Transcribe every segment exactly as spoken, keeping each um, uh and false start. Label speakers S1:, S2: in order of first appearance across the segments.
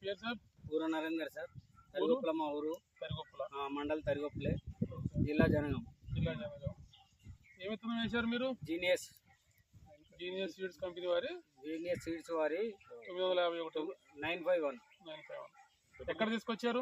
S1: పేరు సార్?
S2: ఊరు నరేందర్ సార్. తరిగొప్పల మా ఊరు.
S1: తరిగొప్పల
S2: మండల్ తరిగొప్పలే, జిల్లా జనగాం.
S1: జిల్లా జనగాం. ఏ విత్తనం వేశారు మీరు?
S2: జీనియస్
S1: జీనియస్ సీడ్స్ కంపెనీ వారి
S2: జీనియస్ సీడ్స్ వారి
S1: తొమ్మిది వందల యాభై ఒకటి
S2: nine five one
S1: nine five one ఎక్కడ తీసుకొచ్చారు?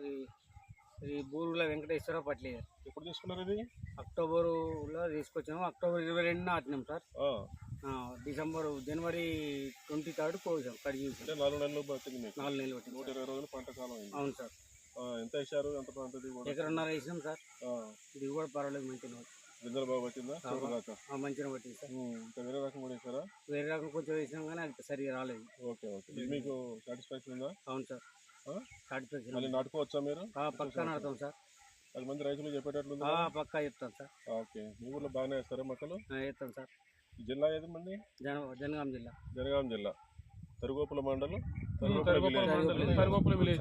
S2: ఈ బూరుగుల వెంకటేశ్వర పట్లి.
S3: ఎప్పుడు తీసుకున్నారు ఇది?
S2: అక్టోబర్లో తీసుకొచ్చాము. అక్టోబర్ ఇరవై రెండున ఆటినాం sir. December january twenty third కోసాం కట్ చేసాం.
S3: నాలుగు నెలలు పట్టింది.
S2: నాలుగు నెలలు పట్టింది.
S3: నూట ఇరవై రోజులు పంట కాలం.
S2: అవును సార్.
S3: ఎంత వేసారు? ఎంత పంట దిగుబడి?
S2: ఎకరన్నర వేసినాం సార్. దిగుబడి పర్వాలేదు, మంచిగా
S3: గింజలు బాగా పట్టిందా?
S2: మంచిగా పట్టింది సార్.
S3: ఇంకా వేరే రకం కూడా వేసారా?
S2: వేరే రకం కొంచెం వేసినాం కానీ అది సరిగా రాలేదు.
S3: Okay okay. మీకు సాటిస్ఫాక్షన్ ఉందా?
S2: అవును సార్, సాటిస్ఫాక్షన్.
S3: మళ్ళీ నాటుకోవచ్చా మీరు?
S2: పక్కా నాటుతాం సార్.
S3: పది మంది రైతులు చెప్పేటట్లు
S2: పక్కా చెప్తాం సార్.
S3: ఓకే. మీ ఊర్లో బాగానే వేస్తారా మొక్కలు?
S2: వేస్తాం సార్.
S3: జిల్లా ఏది మంది?
S2: జన జనగాం జిల్లా.
S3: జనగాం జిల్లా తరిగొప్పల మండలం
S1: తరిగొప్పల విలేజ్.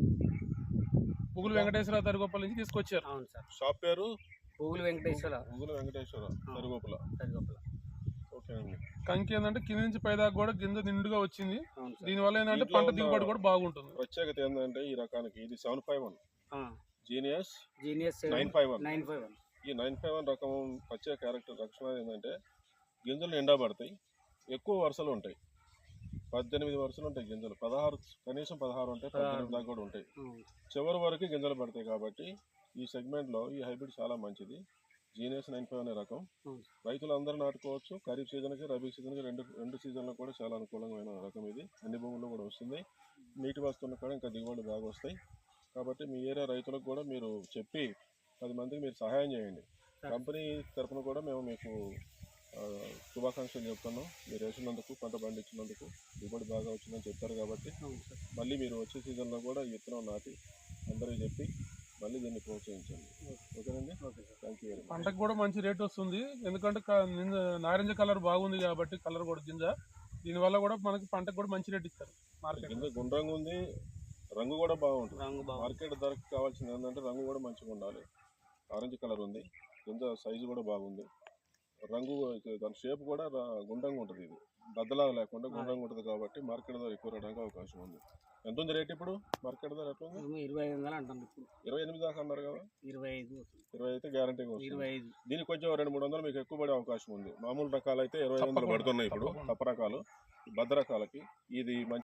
S1: పుగులు వెంకటేశ్వర తరిగొప్పల నుంచి తీసుకొచ్చారు.
S2: అవును సార్.
S3: షాప్ పేరు
S2: పుగులు వెంకటేశ్వర.
S3: పుగులు వెంకటేశ్వర తరిగొప్పల.
S2: తరిగొప్పల.
S3: ఓకే అండి.
S1: కంకి ఏంటంటే కింద నుంచి పైదాకా కూడా గింజ నిండుగా వచ్చింది. దీనివల్ల ఏంటంటే పంట దిగుబడి కూడా బాగుంటుంది.
S3: ప్రత్యేకత ఏంటంటే ఈ రకానికి ఇది seven five one genius
S2: genius
S3: nine five one
S2: nine five one
S3: ఈ నైన్ ఫైవ్ వన్ రకం ప్రత్యేక క్యారెక్టర్ లక్షణాలు ఏంటంటే గింజలు ఎండబడతాయి, ఎక్కువ వరుసలు ఉంటాయి. పద్దెనిమిది వరుసలు ఉంటాయి గింజలు. పదహారు కనీసం పదహారు ఉంటాయి, పద్దెనిమిది దాకా కూడా ఉంటాయి. చివరి వరకు గింజలు పడతాయి. కాబట్టి ఈ సెగ్మెంట్లో ఈ హైబ్రిడ్ చాలా మంచిది. జీనియస్ నైన్ ఫైవ్ అనే రకం రైతులు అందరూ నాటుకోవచ్చు. ఖరీఫ్ సీజన్కి, రబీ సీజన్కి రెండు రెండు సీజన్లకు కూడా చాలా అనుకూలమైన రకం ఇది. అన్ని భూముల్లో కూడా వస్తుంది. నీటి వస్తువులు కూడా ఇంకా దిగుబడి బాగా వస్తాయి. కాబట్టి మీ ఏరియా రైతులకు కూడా మీరు చెప్పి పది మందికి మీరు సహాయం చేయండి. కంపెనీ తరఫున కూడా మేము మీకు శుభాకాంక్షలు చెప్తున్నాం. మీరు వేసినందుకు, పంట పండించినందుకు, దిగుబడి బాగా వచ్చిందని చెప్తారు. కాబట్టి మళ్ళీ మీరు వచ్చే సీజన్లో కూడా ఈ విత్తనం నాటి అందరికీ చెప్పి మళ్ళీ దీన్ని ప్రోత్సహించండి. ఓకేనండి. Okay sir. Thank you very much.
S1: పంటకు కూడా మంచి రేట్ వస్తుంది. ఎందుకంటే నారింజ కలర్ బాగుంది కాబట్టి, కలర్ కూడా గింజ దీనివల్ల కూడా మనకి పంటకు కూడా మంచి రేట్ ఇస్తారు. మార్కెట్
S3: గింజ గుండ్రంగా ఉంది, రంగు కూడా బాగుంటుంది. మార్కెట్ ధరకు కావాల్సింది ఏంటంటే రంగు కూడా మంచిగా ఉండాలి. ఆరెంజ్ కలర్ ఉంది, గింజ సైజు కూడా బాగుంది. రంగు దాని షేప్ కూడా గుండ్రంగా ఉంటుంది. ఇది బద్దలాగా లేకుండా గుండ్రంగా ఉంటుంది కాబట్టి మార్కెట్ ధర ఎక్కువ రావడానికి అవకాశం ఉంది. ఎంత ఉంది రేట్ ఇప్పుడు? మార్కెట్ ధర ఎట్లా ఉంది?
S2: ఇరవై ఐదు వందలు అంటాను.
S3: ఇరవై ఎనిమిది దాకా అన్నారు కదా?
S2: ఇరవై ఐదు
S3: ఇరవై అయితే గ్యారంటీగా
S2: వస్తుంది.
S3: దీనికి కొంచెం రెండు మూడు వందలు మీకు ఎక్కువ పడే అవకాశం ఉంది. మామూలు రకాలు అయితే ఇరవై వందలు పడుతున్నాయి ఇప్పుడు. తప్ప రకాలు, బద్ద రకాలకి ఇది మంచి